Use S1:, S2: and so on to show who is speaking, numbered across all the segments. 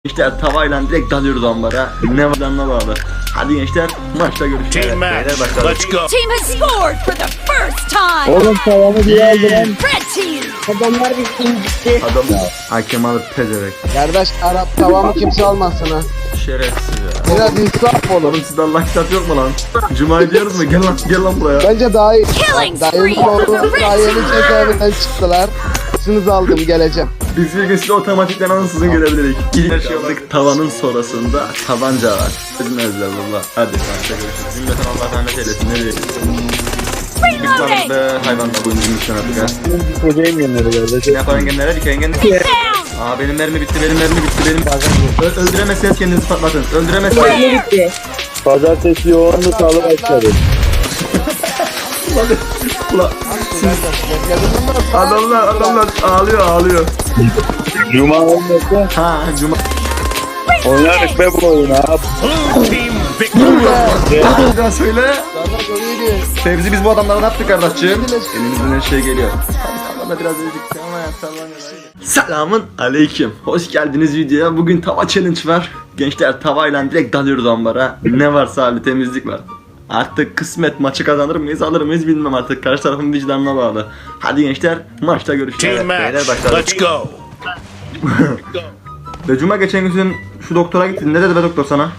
S1: Gençler tavayla direkt dalıyoruz ambara. Ne var ne bağlı. Hadi gençler maçta görüşürüz.
S2: Team match. Let's go.
S3: Team has scored for the first time.
S4: Oğlum tavamı bir aldı lan.
S3: Red team.
S4: Adamlar bir incitti.
S1: Adam hakem alıp pezerek.
S5: Kardeş Arap tavamı kimse almasın ha.
S1: Şerefsiz ya.
S5: Biraz insaf olur.
S1: Oğlum sizde Allah kitap yok mu lan? Cuma diyoruz mu? Gel lan buraya.
S5: Bence daha iyi.
S3: Killing
S5: Dayım
S3: spree for
S5: oldu.
S3: the red
S5: Daha yeni
S3: team.
S5: cezaevinden çıktılar. Sınız aldım geleceğim.
S1: Biz bir gün size otomatikten ansızın görebilirik. İlk şey aldık tavanın sonrasında tabanca var. Bilmezler valla. Hadi maçta görüşürüz. Cümleten Allah rahmet eylesin. Ne diyeyim? Biz varız be hayvanla bu incimizden artık ha.
S4: Kocayım yanları
S1: Ne
S4: kardeş.
S1: yapan engenlere dik engen.
S3: Down.
S1: Aa benim mermi bitti benim. Öldüremezseniz kendinizi patlatın. Öldüremezseniz.
S4: Pazartesi yoğunlu salı başladı.
S1: Ulan adamlar ağlıyor.
S4: Cuma olmasa
S1: Ha cuma.
S4: oynardık be bu oyunu abi.
S2: Blue team victory.
S1: Hadi daha söyle.
S5: Kardeş oraya gidiyor.
S1: Fevzi biz bu adamlara ne yaptık kardeşciğim? Elimizden her şey geliyor. Bana biraz öldük ama ya Selamın aleyküm. Hoş geldiniz videoya. Bugün tava challenge var. Gençler tavayla direkt dalıyoruz ambara. Ne varsa abi temizlik var. Artık kısmet maçı kazanır mıyız alır mıyız bilmem artık. Karşı tarafın vicdanına bağlı. Hadi gençler maçta görüşürüz.
S2: Team
S1: Beyler
S2: match.
S1: başladık.
S2: Let's go.
S1: Ve Cuma geçen gün şu doktora gittin. Ne dedi be doktor sana?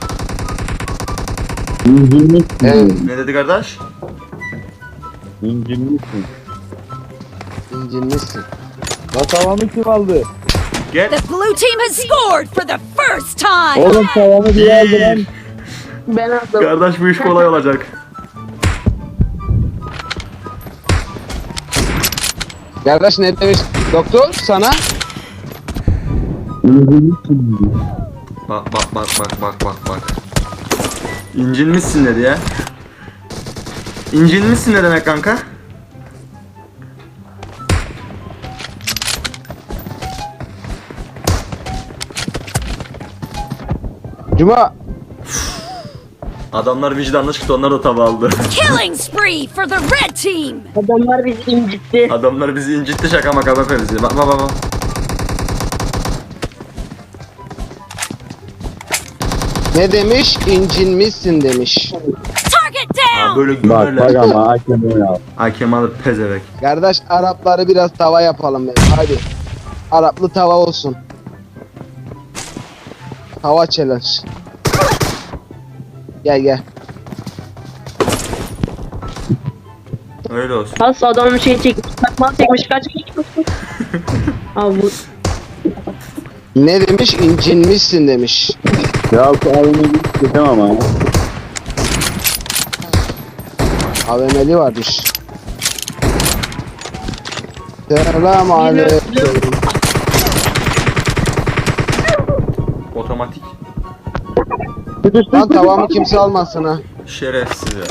S4: İncinmişsin.
S1: Ne dedi kardeş?
S4: İncinmişsin.
S5: İncinmişsin.
S4: La tavamı kim aldı?
S1: Gel.
S3: The blue team has scored for the first time.
S4: Oğlum tavamı bir aldı lan.
S1: Kardeş bu iş kolay olacak.
S5: Kardeş ne demiş doktor sana?
S4: İncinmişsin.
S1: Bak. İncinmişsin dedi ya. İncinmişsin ne demek kanka?
S5: Cuma.
S1: Adamlar vicdanlı çıktı onlar da tava aldı.
S3: Killing spree for the red team.
S4: Adamlar bizi incitti.
S1: Adamlar bizi incitti şaka maka bak bizi. Bak.
S5: Ne demiş? İncinmişsin demiş.
S3: Target
S1: Ha,
S3: down.
S1: böyle
S4: Bak
S1: gülürler.
S4: ama hakem ya.
S1: Hakem alıp pezevek.
S5: Kardeş Arapları biraz tava yapalım ben. Hadi. Araplı tava olsun. Tava challenge. Gel.
S1: Öyle olsun.
S6: Pas adamın şey çekmiş, takmal çekmiş, kaç. Abi bu
S5: Ne demiş? İncinmişsin demiş.
S4: Ya bu oyunu gittim ama.
S5: AVM'li varmış. Selam aleyküm.
S1: Otomatik.
S5: Lan tavamı kimse almasın ha.
S1: Şerefsiz ya.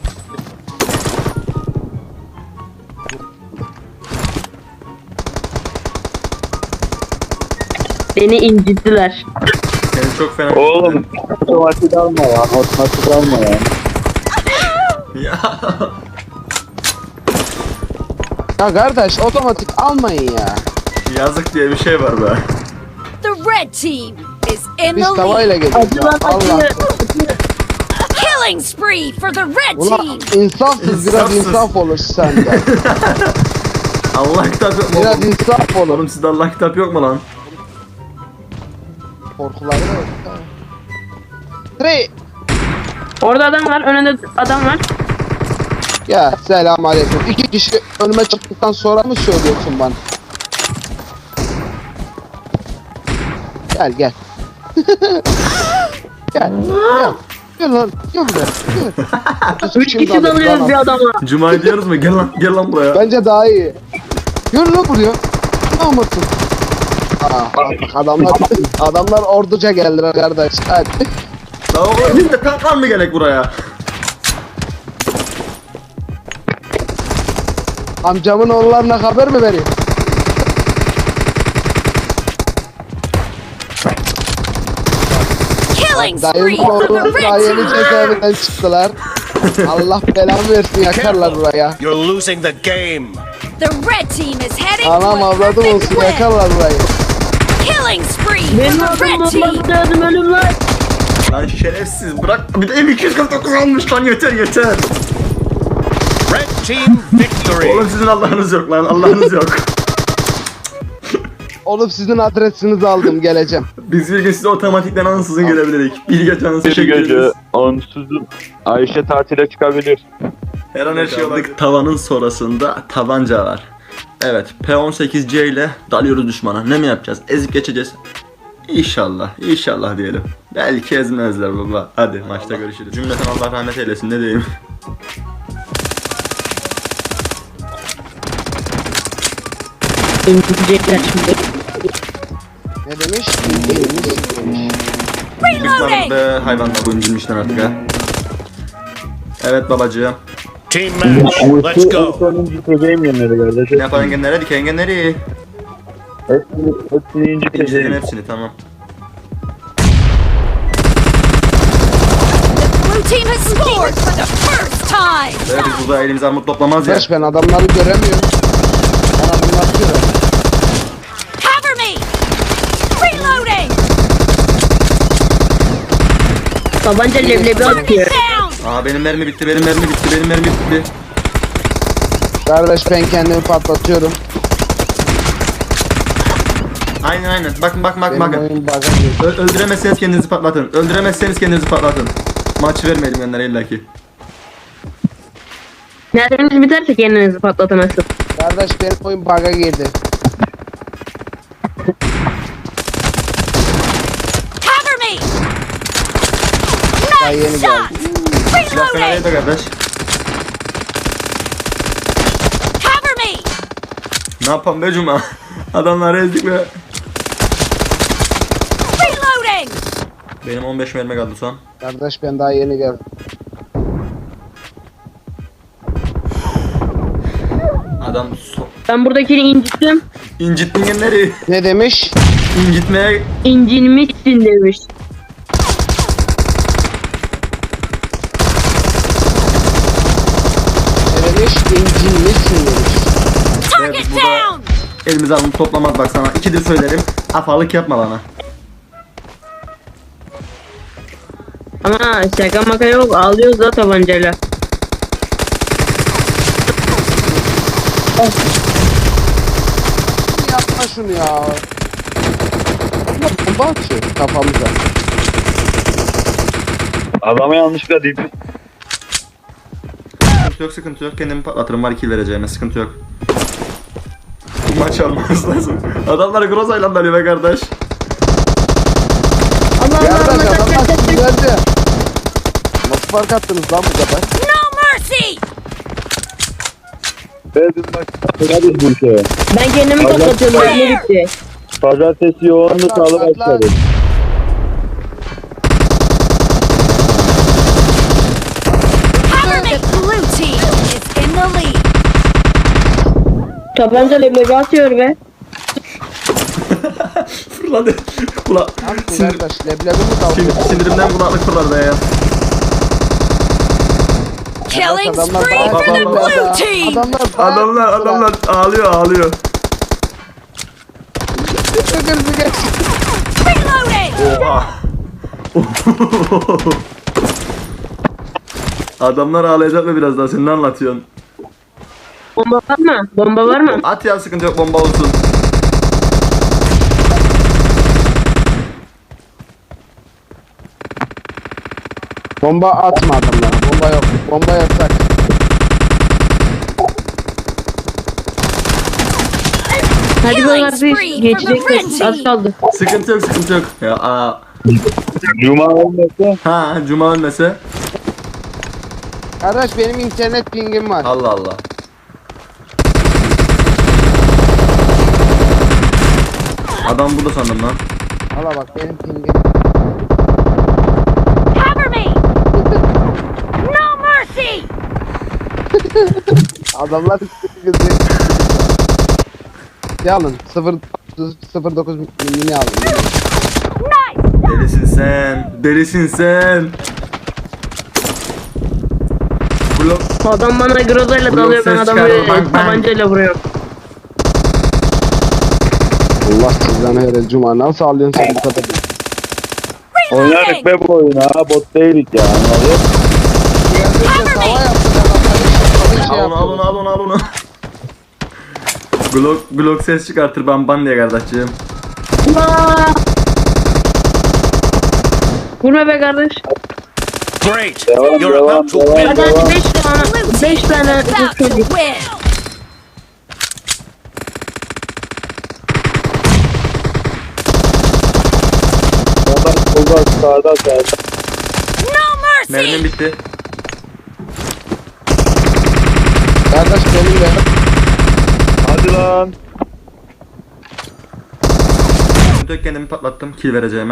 S6: beni incittiler.
S1: Seni çok fena.
S4: Oğlum otomatik alma ya. Otomatik alma ya.
S1: Ya.
S5: Ya kardeş otomatik almayın ya.
S1: Yazık diye bir şey var be.
S3: The red team is in
S5: Biz
S3: the lead.
S5: tavayla geliyoruz ya. Allah.
S3: Killing spree for the red
S5: Ulan
S3: team.
S5: insafsız biraz
S1: İnsafsız.
S5: insaf olur sende.
S1: Allah kitap yok mu?
S5: Biraz
S1: oğlum?
S5: insaf olur.
S1: Oğlum sizde Allah kitap yok mu lan?
S5: Korkuları da yok. Three.
S6: Orada adam var, önünde adam var.
S5: Ya selam aleyküm. 2 kişi önüme çıktıktan sonra mı söylüyorsun bana? Gel. Gel. Gel lan. Gel buraya. Gel.
S6: 3 kişi dalıyoruz bir adama.
S1: Cuma diyoruz mu? Gel lan buraya.
S5: Bence daha iyi. Gel lan buraya. Ne yapıyorsun? Bak adamlar orduca geldiler kardeş. Hadi.
S1: Daha oğlum biz de kalkan mı gerek buraya?
S5: Amcamın oğullarına haber mi vereyim?
S3: Killing spree
S5: Dayım
S3: for the
S5: oğlu daha
S3: red
S5: yeni
S3: team.
S5: cezaevinden çıktılar. Allah belamı versin yakarlar buraya.
S2: You're losing the game.
S3: The red team is heading
S5: Anam
S3: to a
S5: avladım
S3: perfect
S5: olsun
S3: win.
S5: yakarlar burayı.
S3: Killing spree
S6: Benim
S3: for the
S6: adım
S3: red team.
S6: bombası lazım ölüm lan.
S1: Lan şerefsiz bırak. Bir de M249 almış lan, yeter yeter.
S2: Red team victory.
S1: Oğlum sizin Allah'ınız yok lan, Allah'ınız yok.
S5: Oğlum sizin adresinizi aldım, geleceğim.
S1: Biz bir gün size otomatikten ansızın gelebilirdik. Bir gece ansızın
S4: Bir
S1: teşekkür
S4: gece
S1: ederiz.
S4: onsuzun Ayşe tatile çıkabilir.
S1: Her an her şey olabilir. Tavanın sonrasında tabanca var. Evet, P18C ile dalıyoruz düşmana. Ne mi yapacağız? Ezip geçeceğiz. İnşallah, inşallah diyelim. Belki ezmezler baba. Hadi maçta görüşürüz. Cümleten Allah rahmet eylesin, ne diyeyim.
S6: İntirecekler şimdi.
S5: Ne demiş? Demiş.
S1: Bıkmadık
S3: Reloading.
S1: be hayvanlar, bu incinmişler artık ha. Evet babacığım.
S2: Team match. Let's go.
S4: Sonuncu inciteceğim yenleri
S1: Ne
S4: kardeşim.
S1: yapalım engenlere, dik engenleri.
S4: Hepsini
S1: İnceledim
S4: inciteceğim.
S1: hepsini, tamam.
S3: Blue team has scored for the first time.
S1: Böyle biz burada elimize armut toplamaz ya.
S5: Arkadaş ben adamları göremiyorum. Ben adamları görüyorum.
S3: Cover me. Reloading.
S6: Tabanca leblebi atıyor.
S3: Down.
S1: Aa benim mermi bitti, benim mermi bitti, benim mermi bitti.
S5: Kardeş ben kendimi patlatıyorum.
S1: Aynen aynen. Bakın bakın bakın
S5: Benim
S1: bakın.
S5: oyun bug'a girdi.
S1: Öldüremezseniz kendinizi patlatın. Öldüremezseniz kendinizi patlatın. Maç vermeyelim yanlara illaki.
S6: Nereniz biterse kendinizi patlatamazsın.
S5: Kardeş benim oyun bug'a girdi.
S3: Cover me.
S5: Daha yeni
S3: Nice shot.
S5: geldi.
S1: Silah fena
S3: Reloading.
S1: değil de kardeş.
S3: Cover me.
S1: Ne yapalım be Cuma? Adamları ezdik be.
S3: Reloading.
S1: Benim 15 mermi kaldı son.
S5: Kardeş ben daha yeni geldim.
S1: Adam
S6: Ben buradakini incittim.
S1: incittin genleri.
S5: Ne demiş?
S1: İncitmeye
S6: İncinmişsin demiş.
S5: Ne demiş? İncinmişsin demiş.
S3: Target
S1: Evet, bu da-
S3: down.
S1: elimize alın toplamaz bak sana. İkidir söylerim. Afalık yapma bana.
S6: Ama şaka maka yok, ağlıyoruz da tabancayla.
S5: Yapma şunu ya. Bomba atıyor kafamıza.
S4: Adama yanlışlıkla deyip
S1: Sıkıntı yok, sıkıntı yok. Kendimi patlatırım, var 2 vereceğime, sıkıntı yok. Bu maç almamız lazım. Adamlar Groza ile dalıyor be kardeş.
S6: Allah Allah
S5: Kardeş
S6: Allah
S5: adamlar
S6: Allah.
S5: sinirlendi. Nasıl fark attınız lan bu kadar?
S3: No mercy.
S4: biz başladık bu işe.
S6: Ben kendimi patlatıyorum, ne bitti.
S4: Pazartesi yoğunlu salı başladı.
S3: Cover me. Blue team is in the lead.
S6: Tabanca leblebi atıyor be.
S1: Fırladı. Kula
S5: Lan bu
S1: sinir,
S5: kardeş leblebi mi kaldı?
S1: sinirimden kulaklık fırladı be ya.
S3: Killing
S5: adamlar
S3: spree
S5: daha-
S3: for the
S1: adamlar-
S3: blue team.
S1: Adamlar ağlıyor.
S5: Kırmızı geç.
S3: Reloading.
S1: Oha. Adamlar ağlayacak mı biraz daha, sen ne anlatıyorsun?
S6: Bomba var mı? Bomba var mı?
S1: At ya, sıkıntı yok, bomba olsun.
S5: Bomba atma adamlara. Bomba yok. Bomba yasak.
S6: Hadi
S3: Killing
S6: beyler
S3: spree
S6: biz
S3: for
S6: geçecekler.
S3: the red
S6: Az kaldı.
S1: Sıkıntı yok, sıkıntı yok. Ya
S4: Cuma olmasa
S1: ha Cuma ölmese.
S5: Kardeş benim internet pingim var.
S1: Allah Allah. Adam burada sandım lan.
S5: Hala bak benim pingim.
S3: Cover me. No mercy.
S5: Adamlar kızı. Yalın 0.9 mini aldım.
S3: Nice.
S1: Delisin sen. Delisin sen. Blok.
S6: Adam bana grozayla
S1: Blok
S6: dalıyor, ben
S1: ses
S6: adamı
S1: çıkarıyor, bang, bang.
S6: tabancayla vuruyorum.
S5: Allah sizden her cuma nasıl alıyorsun sen bu kadar?
S4: Oynardık be bu oyunu ha. Bot değilik ya. Ne oluyor?
S5: Geldiğinde tava yaptı ben şey
S1: Al onu al onu al onu. Glock ses çıkartır ban diye kardeşciğim.
S6: Allah! Vurma be kardeş.
S2: Great.
S4: Devam,
S2: You're
S4: devam,
S2: about to
S4: devam.
S2: win.
S6: Hadi hadi 5
S3: Blue
S6: tane.
S3: team
S6: 5 tane
S3: is about to
S6: çocuk.
S3: win.
S4: Sağda sağda.
S3: No
S1: Mermim
S3: mercy.
S1: bitti.
S5: Kardeş benim de.
S4: Hadi lan.
S1: Tek kendimi patlattım. Kill vereceğime.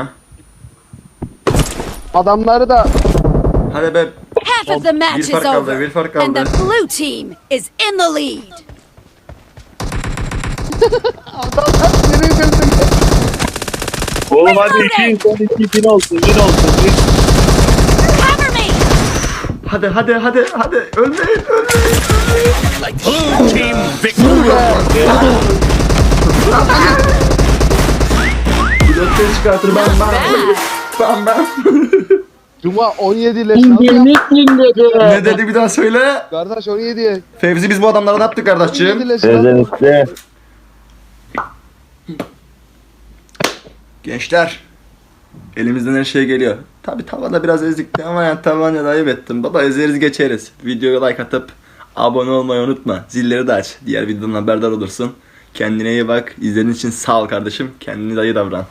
S5: Adamları da
S3: Half
S1: Hadi be.
S3: of the match
S1: Bir
S3: is
S1: fark kaldı,
S3: over,
S1: bir fark
S3: and
S1: kaldı.
S3: the blue team is in the lead.
S5: adamlar seni gözüm.
S4: Oğlum hadi 2 son 2 bin olsun. Bin olsun. Bin.
S3: Cover me.
S1: Hadi. Ölmeyin.
S2: Blue team victory.
S1: Glock ses çıkartır ban.
S5: Cuma 17 leş nasıl yaptı?
S1: Ne dedi bir daha söyle.
S5: Kardeş 17.
S1: Fevzi biz bu adamlara ne yaptık
S5: 17
S1: kardeşciğim?
S5: leş lan.
S4: Özellikle.
S1: Gençler. Elimizden her şey geliyor. Tabi tavada biraz ezikti ama yani tabanca da ayıp ettim. Baba ezeriz geçeriz. Videoya like atıp abone olmayı unutma. Zilleri de aç. Diğer videodan haberdar olursun. Kendine iyi bak. İzlediğin için sağ ol kardeşim. Kendine de iyi davran.